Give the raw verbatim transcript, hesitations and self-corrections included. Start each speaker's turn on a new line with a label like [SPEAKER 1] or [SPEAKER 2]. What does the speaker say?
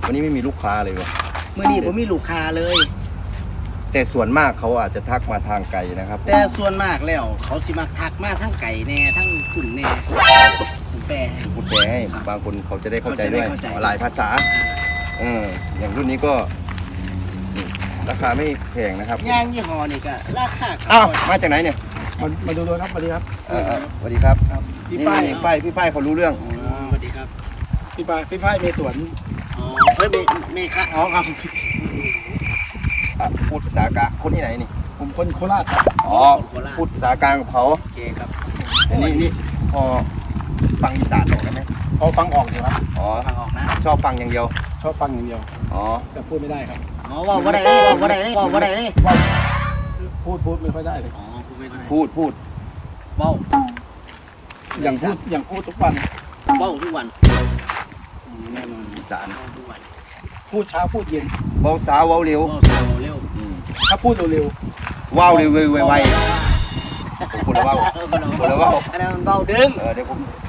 [SPEAKER 1] วันนี้ไม่มีลูกค้าเลยเว้ย
[SPEAKER 2] เมื่อนี้ผมมีลูกค้าเลย
[SPEAKER 1] แต่ส่วนมากเขาอาจจะทักมาทางไกลนะครับ
[SPEAKER 2] แต่ส่วนมากแล้วเขาสิมักทักมาทั้งไก่แน่ทั้งขุ่นแน่ผมแปลให้
[SPEAKER 1] พูดแปลให้บางคนเขาจะได้เข้าใจด้วย
[SPEAKER 2] เขาจะได้เข้าใจ
[SPEAKER 1] หลายภาษาเอออย่างรุ่นนี้ก็นี่ราคาไม่แพงนะครับ
[SPEAKER 2] ย่างยี่ห้อนี่ก็ราคา
[SPEAKER 1] อ้าวมาจากไหนเนี่ย
[SPEAKER 3] มามาดูด้วยครับสวัสดีครับ
[SPEAKER 1] เออเออสวัสดีครับ
[SPEAKER 3] พี่
[SPEAKER 1] นี่
[SPEAKER 3] ฝ้าย
[SPEAKER 1] นี่ฝ้ายพี่ฝ้ายเขารู้เรื่อง
[SPEAKER 2] อ๋อสวัสดีครับ
[SPEAKER 3] พี่ฝ้ายพี่ฝ้ายมีสวน
[SPEAKER 2] อ๋อเฮ้ยเมเมฆะ
[SPEAKER 3] อ๋อครับ
[SPEAKER 1] อ่ะพูดภาษากลางคนที่ไหนนี่
[SPEAKER 3] ผมคนโคราชครับ
[SPEAKER 1] อ๋อพูดภาษากลางกับเขา
[SPEAKER 2] โอเคครับ
[SPEAKER 1] อันนี้นี่พอฟังอีสานออกได้ไหม
[SPEAKER 3] พอฟังออกอยู่ครับ
[SPEAKER 1] อ๋อ
[SPEAKER 2] ฟังออกนะ
[SPEAKER 1] ชอบฟังอย่างเดียว
[SPEAKER 3] ชอบฟังอย่างเดียว
[SPEAKER 1] อ๋อ
[SPEAKER 3] แต่พูดไม่ได้ครับ
[SPEAKER 2] อ๋อว่าว่าได้นี่ว่าว่าได้นี่ว่าว่าได้นี่
[SPEAKER 3] พูดพูดไม่ค่อยได้เลย
[SPEAKER 2] อ๋อพูดไม่ได้
[SPEAKER 1] พูดพูด
[SPEAKER 2] เบ้า
[SPEAKER 3] อย่างพูดอย่างพูดทุกวัน
[SPEAKER 2] เบ้าทุกวัน
[SPEAKER 3] แน่นอน
[SPEAKER 1] อีสาน
[SPEAKER 2] เบ้าทุกวัน
[SPEAKER 3] พูดเช้าพูดเย็น
[SPEAKER 1] เบาสาวเบาเร็ว
[SPEAKER 2] เบ้าสาวเร็ว
[SPEAKER 1] อืม
[SPEAKER 3] ถ้าพูดเร็ว
[SPEAKER 1] ว้าวเร็วไวไวๆผมคนละเว้า คนละเว้า
[SPEAKER 2] อันนั้นมันเบ้าดึง
[SPEAKER 1] เออเดี๋ยวผม